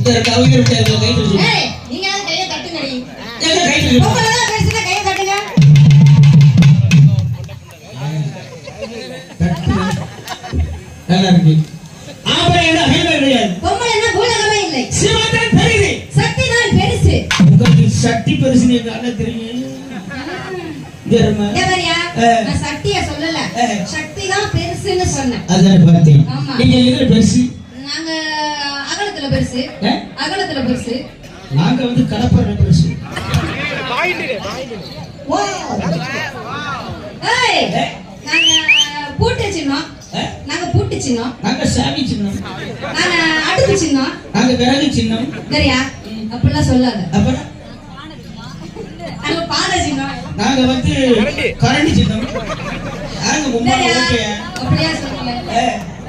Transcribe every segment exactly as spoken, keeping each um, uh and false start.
கவிதை விட்டாங்க கை தட்டு. ஏய் நீங்க அந்த கையை தட்டுங்கடி. ஏங்க கை தட்டு. பொம்பளை பேசினா கையை தட்டுங்க. நல்லா இருக்கு. ஆம்பளை என்ன ஹைவே கிடையாது. பொம்பளைன்னா பூலகமே இல்லை. சிவதான் பெரிது. சக்தி தான் பெருசு. உங்களுக்கு சக்தி பெருசுன்னு என்ன தெரியும்? தேர்மா. தேவரியா நான் சக்திய சொல்லல. சக்தி தான் பெருசுன்னு சொன்னேன். அதான் பார்த்தேன். ஆமா. நீங்க எதுல பெருசு? நாங்க அகலத்துல பெருசு. அகலத்துல பெருசு. நாங்க வந்து கடப்பற பெருசு. வா. ஏய் நாங்க பூட்டு சின்னம். நாங்க பூட்டு சின்னம். நாங்க சாமி சின்னம். நாங்க அடுப்பு சின்னம். நாங்க விறகு சின்னம். சரியா? அப்படிலாம் சொல்லாத. அப்புறம் நாங்க பாத சின்னம். நாங்க வந்து கரண்டி சின்னம். நாங்க மும்மா ஓகே. அப்படியே சொல்லுங்க.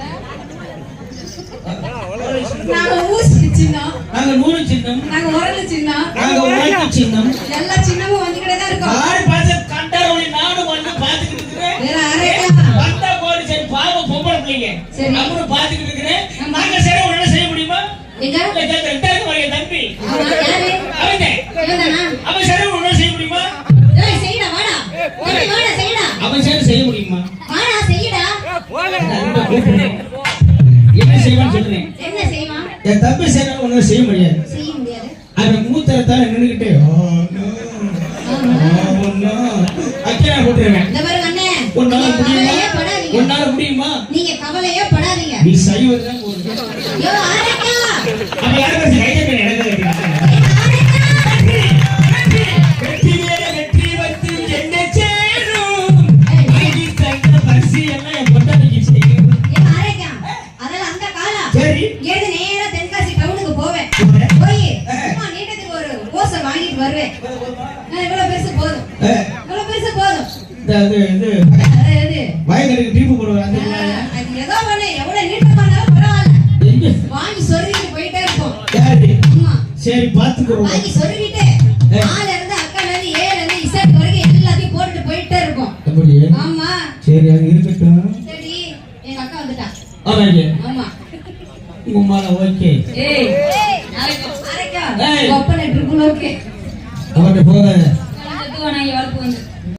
நாங்க ஊசி சின்னம். நாங்க நூறு சின்னம். நாங்க உரல் சின்னம். நாங்க உலக்கு சின்னம். எல்லா சின்னமும் வந்துக்கிட்டே தான் இருக்கும். யாரு பார்த்து கண்டாரோனி நானும் வந்து பாத்துக்கிட்டு இருக்கேன். வேற அரேக்கா வந்தா போடி சரி பாவம் பொம்பளை பிள்ளைங்க. சரி அவரு பாத்துக்கிட்டு இருக்கேன். நாங்க சரி உடனே செய்ய முடியுமா? எங்க ரெண்டாயிரம் வரைய தம்பி. அவன் யாரு? அவனே. இவன்தானா? அவன் சரி உடனே செய்ய முடியுமா? ஏய் செய்டா வாடா. தம்பி வாடா செய்டா. அவன் சரி செய்ய முடியுமா? வாடா செய்டா. என்ன செய்வான்னு சொல்றேன். என்ன செய்வான்? என் தம்பி சரி உடனே செய்ய முடியாது. செய்ய முடியாது. அவன் மூத்தரத்தால நின்னுக்கிட்டே அக்கியா போட்டுருவேன். இந்த பாருங்க அண்ணே. உன்னால முடியுமா? படாதீங்க. உன்னால முடியுமா? நீங்க கவலையே படாதீங்க. நீ சைவதான் போடுற. யோ அரேக்கா. அப்ப யார பேசி கையில பேர் எனக்கு கேக்குறா. வெற்றி மேல வெற்றி வந்து என்ன சேரும். ஐடி சைக்கிள் பரிசி எல்லாம் என் பொண்டாட்டிக்கு செய்யும். யோ அரேக்கா. அதெல்லாம் அந்த காலா. சரி. ஏது நேரா தென்காசி டவுனுக்கு போவேன். போய் சும்மா நீட்டத்துக்கு ஒரு கோசை வாங்கிட்டு வருவேன். நான் இவ்வளவு பெருசு போதும். இவ்வளவு பெருசு போதும். அது இது அது வயலுக்கு டீப்பு போடுவாங்க. அது ஏதோ ஒண்ணு எவ்வளவு நீட்டமானாலும் பரவாயில்ல. வாங்கி சொருகிட்டு போயிட்டே இருப்போம். ஆமா. சரி பாத்துக்குறோம். வாங்கி சொருகிட்டு ஆல இருந்து அக்கால இருந்து ஏல இருந்து இசட் வரைக்கும் எல்லாத்தையும் போட்டுட்டு போயிட்டே இருப்போம். அப்படியே. ஆமா. சரி அது இருக்கட்டும். சரி எங்க அக்கா வந்துட்டா. ஆமாங்க. ஆமா. உம்மால ஓகே. ஏய் அரேக்கா அரேக்கா ஒப்பனை ட்ரிபிள் ஓகே. அவட்ட போகாத. நான் தத்துவ நான் வளர்ப்பு